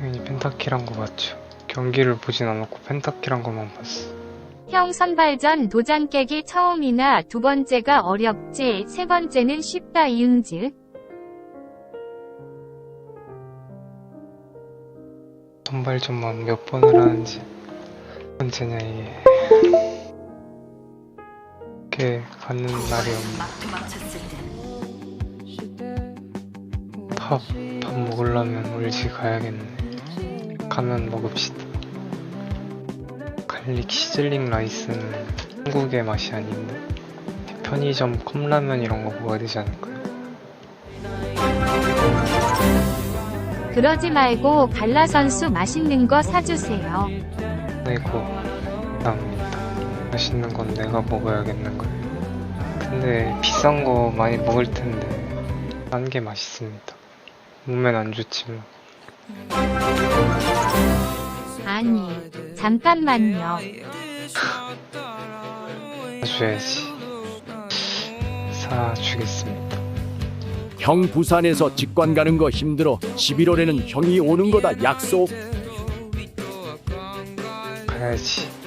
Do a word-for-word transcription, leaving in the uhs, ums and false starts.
당연히 펜타키란 거 맞죠. 경기를 보진 않았고 펜타키란 것만 봤어. 형 선발전 도장 깨기 처음이나 두 번째가 어렵지 세 번째는 쉽다 이응즈. 선발전만 몇 번을 하는지 몇 번째냐 이게. 이렇게 가는 날이 없네. 밥, 밥 먹으려면 울지 가야겠네. 가면 먹읍시다. 갈릭 시즐링 라이스는 한국의 맛이 아닌데 편의점 컵라면 이런 거 먹어야 되지 않을까요? 그러지 말고 갈라 선수 맛있는 거 사주세요. 아이고 감사합니다. 맛있는 건 내가 먹어야겠는걸. 근데 비싼 거 많이 먹을 텐데 딴 게 맛있습니다. 몸엔 안 좋지만. 아니 잠깐만요. 사줘야지. 사주겠습니다. 형 부산에서 직관 가는 거 힘들어. 십일월에는 형이 오는 거다 약속. 가야지.